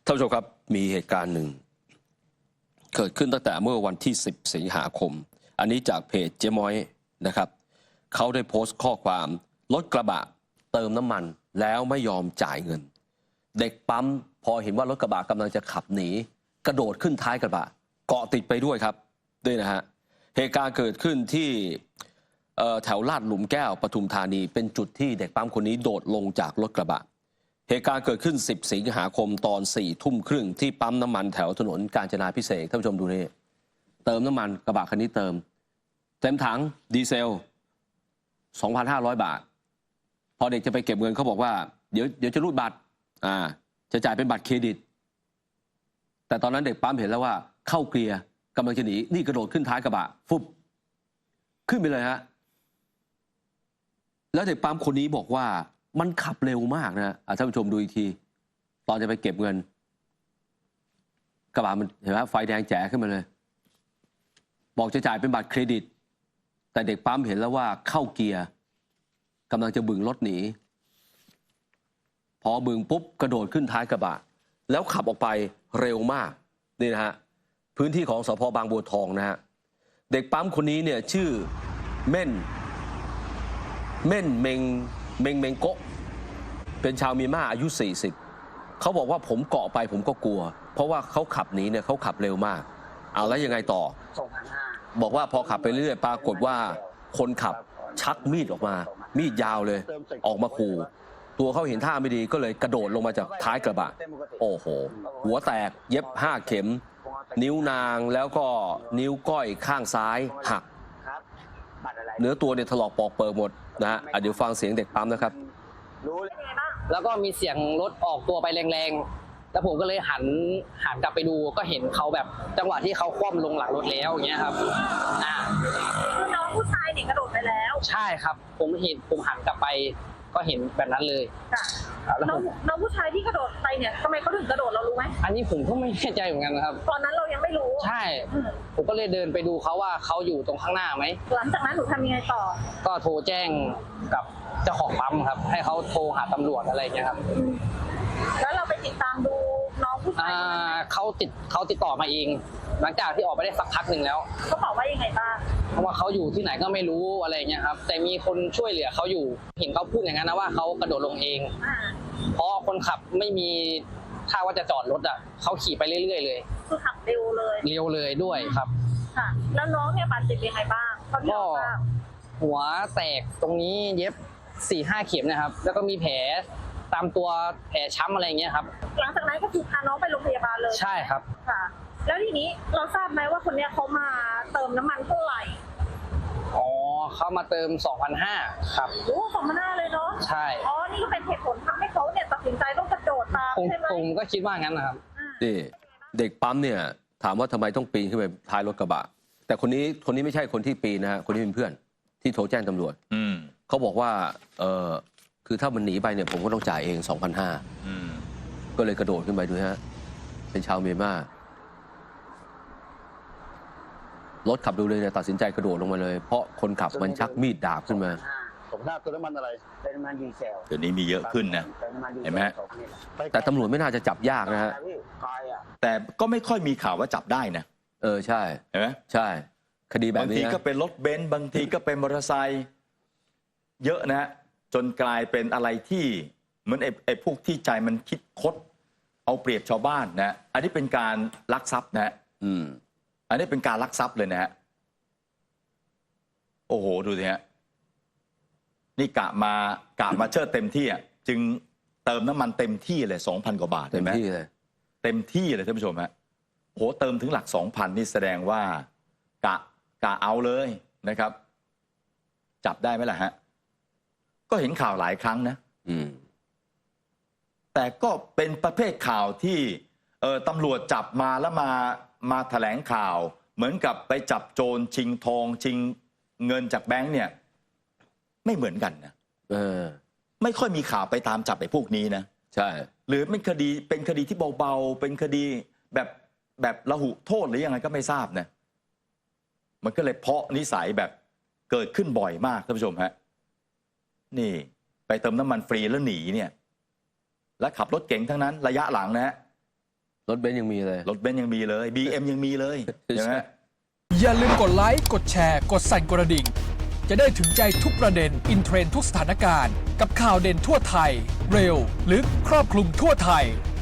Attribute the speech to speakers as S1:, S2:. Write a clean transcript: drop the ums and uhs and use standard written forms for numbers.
S1: ท่านผู้ชมครับมีเหตุการณ์หนึ่งเกิดขึ้นตั้งแต่เมื่อวันที่10 สิงหาคมอันนี้จากเพจเจ๊ม้อยนะครับเขาได้โพสต์ข้อความรถกระบะเติมน้ำมันแล้วไม่ยอมจ่ายเงินเด็กปั๊มพอเห็นว่ารถกระบะกำลังจะขับหนีกระโดดขึ้นท้ายกระบะเกาะติดไปด้วยครับด้วยนะฮะเหตุการณ์เกิดขึ้นที่แถวลาดหลุมแก้วปทุมธานีเป็นจุดที่เด็กปั๊มคนนี้โดดลงจากรถกระบะเหตุการณ์เกิดขึ้น10 สิงหาคมตอน4 ทุ่มครึ่งที่ปั๊มน้ำมันแถวถนนกาญจนาภิเษกท่านผู้ชมดูนี่เติมน้ำมันกระบะคันนี้เต็มถังดีเซล 2,500 บาทพอเด็กจะไปเก็บเงินเขาบอกว่าเดี๋ยวจะรูดบัตรจะจ่ายเป็นบัตรเครดิตแต่ตอนนั้นเด็กปั๊มเห็นแล้วว่าเข้าเกียร์กำลังจะหนีนี่กระโดดขึ้นท้ายกระบะฟุบขึ้นไปเลยฮะแล้วเด็กปั๊มคนนี้บอกว่ามันขับเร็วมากนะท่านผู้ชมดูอีกทีตอนจะไปเก็บเงินกระบะมันเห็นไหมไฟแดงแจ๋ขึ้นมาเลยบอกจะจ่ายเป็นบัตรเครดิตแต่เด็กปั๊มเห็นแล้วว่าเข้าเกียร์กำลังจะบึงรถหนีพอบึงปุ๊บกระโดดขึ้นท้ายกระบะแล้วขับออกไปเร็วมากนี่นะฮะพื้นที่ของสภ.บางบัวทองนะฮะเด็กปั๊มคนนี้เนี่ยชื่อเม่นเมงโกะเป็นชาวเมียนมาอายุ40เขาบอกว่าผมเกาะไปผมก็กลัวเพราะว่าเขาขับหนีเนี่ยเขาขับเร็วมากเอาแล้วยังไงต่อบอกว่าพอขับไปเรื่อยปรากฏว่าคนขับชักมีดออกมามีดยาวเลยออกมาขู่ตัวเขาเห็นท่าไม่ดีก็เลยกระโดดลงมาจากท้ายกระบะโอ้โหหัวแตกเย็บ5 เข็มนิ้วนางแล้วก็นิ้วก้อยข้างซ้ายหักเนื้อตัวเนี่ยถลอกปอกเปิกหมดนะฮะเดี๋ยวฟังเสียงเด็กปั๊มนะครับ
S2: แล้วก็มีเสียงรถออกตัวไปแรงๆแล้วผมก็เลยหันกลับไปดูก็เห็นเขาแบบจังหวะที่เขาคว่ำลงหลังรถแล้วอย่างเงี้ยครับ
S3: คือน้องผู้ชายเนี่ยกระโดดไปแล้ว
S2: ใช่ครับผมหันกลับไปก็เห็นแบบนั้นเลย
S3: น้องผู้ชายที่กระโดดไปเนี่ยทำไมเขาถึงกระโดดเรารู้ไหม
S2: อันนี้ผมก็ไม่แน่ใจเหมือนกันครับ
S3: ตอนนั้นเรายังไม่รู้
S2: ใช่ผมก็เลยเดินไปดูเขาว่าเขาอยู่ตรงข้างหน้าไหม
S3: หลังจากนั้นหนูทำยังไงต่อ
S2: ก็โทรแจ้งกับเจ้าของปั๊มครับให้เขาโทรหาตำรวจอะไรอย่างเงี้ยครับ
S3: แล้วเราไปติดตามดูน้องผู้ชาย
S2: เขาติดต่อมาเองหลังจากที่ออกไปได้สักพักหนึ่งแล้ว
S3: เขาบอกว่ายังไงบ้าง
S2: เพราะว่าเขาอยู่ที่ไหนก็ไม่รู้อะไรเงี้ยครับแต่มีคนช่วยเหลือเขาอยู่เห็นเขาพูดอย่างนั้นนะว่าเขากระโดดลงเองเพราะคนขับไม่มีท่าว่าจะจอดรถเขาขี่ไปเรื่อยๆเลย
S3: คือขับเร็วเลย
S2: ด้วยครับ
S3: ค่ะแล้วน้องเนี่ยบาดเจ็บยังไงบ้าง
S2: ก็หัวแตกตรงนี้เย็บ 4-5 เข็มนะครับแล้วก็มีแผลตามตัวแผลช้ำอะไรเงี้ยครับ
S3: หลังจากนั้นก็คือพาน้องไปโรงพยาบาลเลย
S2: ใช่ครับ
S3: ค่ะแล้วทีนี้เราทราบไหมว่าคนเนี้ยเขามาเติมน้ำมันเท่าไหร่
S2: อ๋อเขามาเติม 2,500 ครับ
S3: โอ้ 2,500 เลยเนาะ
S2: ใช่
S3: อ๋อนี่ก็เป็นเหตุผลทำให้เขาเนี่ยตัดสินใจต้องกระโดดตามใช่ไหม
S2: ผมก็คิดว่างั้นนะครับ
S1: นี่เด็กปั๊มเนี่ยถามว่าทำไมต้องปีนขึ้นไปท้ายรถกระบะแต่คนนี้ไม่ใช่คนที่ปีนนะฮะคนนี้เป็นเพื่อนที่โทรแจ้งตำรวจเขาบอกว่าคือถ้ามันหนีไปเนี่ยผมก็ต้องจ่ายเอง 2,500ก็เลยกระโดดขึ้นไปดูฮะเป็นชาวเมียนมารถขับดูเลยเนี่ยตัดสินใจกระโดดลงมาเลยเพราะคนขับมันชักมีดดาบขึ้นมา
S4: ผมทราบตัวน้ำมันอะไร
S5: เป็นน้ำมันดีเซล
S4: เดี๋ยวนี้มีเยอะขึ้นนะเห็นไหม
S1: แต่ตำรวจไม่น่าจะจับยากนะฮะ
S4: แต่ก็ไม่ค่อยมีข่าวว่าจับได้นะ
S1: ใช่
S4: เห็นไหม
S1: ใช่คดีแบบนี้
S4: บางทีก็เป็นรถเบนซ์บางทีก็เป็นมอเตอร์ไซค์เยอะนะจนกลายเป็นอะไรที่เหมือนไอ้พวกที่ใจมันคิดคดเอาเปรียบชาวบ้านนะอันนี้เป็นการลักทรัพย์นะอันนี้เป็นการลักทรัพย์เลยนะฮะโอ้โหดูสิฮะนี่กะมาเชิดเต็มที่อ่ะจึงเติมน้ำมันเต็มที่เลย 2,000 กว่าบาทเห็นไหมเต็มที่เลยท่านผู้ชมฮะโอ้โหเติมถึงหลัก 2,000 นี่แสดงว่ากะเอาเลยนะครับจับได้ไหมล่ะฮะก็เห็นข่าวหลายครั้งนะแต่ก็เป็นประเภทข่าวที่ตำรวจจับมาแล้วมาแถลงข่าวเหมือนกับไปจับโจรชิงทองชิงเงินจากแบงค์เนี่ยไม่เหมือนกันนะไม่ค่อยมีข่าวไปตามจับไอ้พวกนี้นะ
S1: ใช่
S4: หรือเป็นคดีที่เบาๆเป็นคดีแบบละหุโทษหรือยังไงก็ไม่ทราบนะมันก็เลยเพาะนิสัยแบบเกิดขึ้นบ่อยมากท่านผู้ชมฮะนี่ไปเติมน้ำมันฟรีแล้วหนีเนี่ยแล้วขับรถเก๋งทั้งนั้นระยะหลังนะฮะ
S1: รถเบนซ์ยังมีเลย
S4: รถเบนซ์ยังมีเลย BM ยังมีเลยใช่ไหม
S5: อย่าลืมกดไลค์ กดแชร์ กดสั่นกระดิ่ง จะได้ถึงใจทุกประเด็น อินเทรนด์ทุกสถานการณ์ กับข่าวเด่นทั่วไทย เร็ว ลึก ครอบคลุมทั่วไทย